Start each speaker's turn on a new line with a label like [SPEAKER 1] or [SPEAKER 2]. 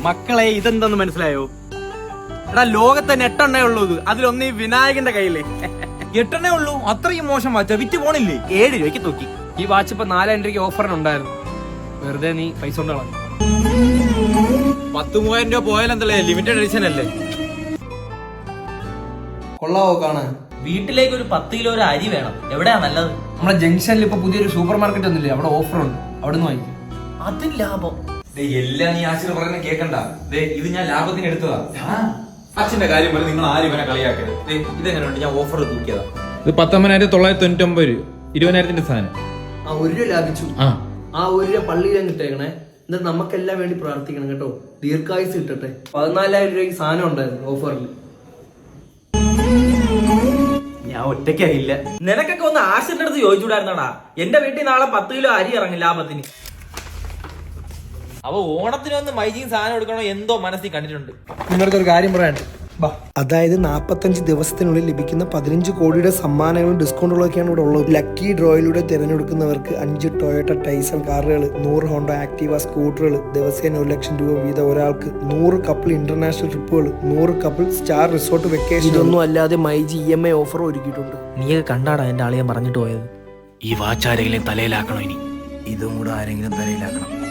[SPEAKER 1] മക്കളെ ഇതെന്തെന്ന് മനസ്സിലായോ? എടാ ലോകത്തെ 8 എണ്ണേ ഉള്ളൂ. അതിലൊന്ന് ഈ വിനായകന്റെ കയ്യില്
[SPEAKER 2] 8 എണ്ണേ ഉള്ളൂ. അത്രയും മോശം വാച്ച വിറ്റ് പോണില്ലേ?
[SPEAKER 1] 7 രൂപയ്ക്ക് തൂക്കി.
[SPEAKER 3] ഈ വാച്ച് ഇപ്പൊ 4 രൂപയ്ക്ക് ഓഫറിനുണ്ടായിരുന്നു. വെറുതെ നീ പൈസ കൊണ്ട് കളഞ്ഞു.
[SPEAKER 2] 10,000 രൂപ പോയാലെന്തല്ലേ, ലിമിറ്റഡ് എഡിഷൻ അല്ലേ?
[SPEAKER 4] കൊള്ളാവോ കാണാൻ?
[SPEAKER 5] വീട്ടിലേക്ക് ഒരു 10 കിലോ ഒരു അരി വേണം. എവിടെയാ നല്ലത്?
[SPEAKER 3] നമ്മുടെ ജംഗ്ഷനിൽ ഇപ്പൊ പുതിയൊരു സൂപ്പർ മാർക്കറ്റ് ഒന്നില്ലേ, അവിടെ ഓഫർ ഉണ്ട്. അവിടെ നിന്ന് വാങ്ങിക്കും.
[SPEAKER 5] അതും ലാഭം.
[SPEAKER 2] എല്ലാം നീ ആശിർ പറയുന്ന കേക്കണ്ട. ഇത് ഞാൻ ലാഭത്തിന് എടുത്തതാ. അച്ഛന്റെ കാര്യം പോലെ നിങ്ങൾ ആരും ഇവനെ കളിയാക്കരുത്. ഇതെങ്ങനെയുണ്ട്? ഞാൻ ഓഫർ തൂക്കിയതാ. ഇത് 19,999 രൂപ, 20,000 സാധനം.
[SPEAKER 4] ആ 1 രൂപ ലാഭിച്ചു.
[SPEAKER 2] ആ
[SPEAKER 4] 1 രൂപ പള്ളിയിലും കിട്ടേക്കണേ. എന്നിട്ട് നമുക്കെല്ലാം വേണ്ടി പ്രാർത്ഥിക്കണം കേട്ടോ. ദീർഘായുസ് കിട്ടട്ടെ. 14,000 രൂപയ്ക്ക് സാധനം ഉണ്ടായിരുന്നു ഓഫറിൽ.
[SPEAKER 1] ഞാൻ ഒറ്റയ്ക്കായില്ല.
[SPEAKER 5] നിനക്കൊക്കെ ഒന്ന് ആശിന്റെ അടുത്ത് ചോദിച്ചുകൂടായിരുന്നടാ. എന്റെ വീട്ടിൽ നാളെ 10 കിലോ അരി ഇറങ്ങും ലാഭത്തിന്.
[SPEAKER 2] അവ ഓണത്തിന് വന്ന് മൈജിങ് സാധനം എടുക്കണോ എന്തോ മനസ്സിൽ കണ്ടിട്ടുണ്ട്.
[SPEAKER 3] നിങ്ങളുടെ ഒരു കാര്യം പറയാനുണ്ട്.
[SPEAKER 6] അതായത് 45 ദിവസത്തിനുള്ളിൽ ലഭിക്കുന്ന 15 കോടിയുടെ സമ്മാനങ്ങളും ഡിസ്കൗണ്ടുകളൊക്കെയാണ് ഇവിടെ ഉള്ളത്. ലക്കി ഡ്രോയിലൂടെ തിരഞ്ഞെടുക്കുന്നവർക്ക് 5 ടൊയോട്ട ടൈസൺ കാറുകൾ, 100 ഹോണ്ട ആക്ടിവ സ്കൂട്ടറുകൾ, ദിവസേന 1 ലക്ഷം രൂപ വീതം ഒരാൾക്ക്, 100 കപ്പിൾ ഇന്റർനാഷണൽ ട്രിപ്പുകൾ, 100 കപ്പിൾ സ്റ്റാർ റിസോർട്ട് വെക്കേഷൻ. ഇതൊന്നും അല്ലാതെ മൈജി EMI ഓഫർ ഒരുക്കിയിട്ടുണ്ട്.
[SPEAKER 5] നീയൊക്കെ കണ്ടാടാ എന്റെ ആളിയെ പറഞ്ഞിട്ട് പോയത്.
[SPEAKER 1] ഈ വാച്ച് ആരെങ്കിലും തലയിലാക്കണോ? ഇനി
[SPEAKER 6] ഇതും കൂടെ ആരെങ്കിലും തലയിലാക്കണം.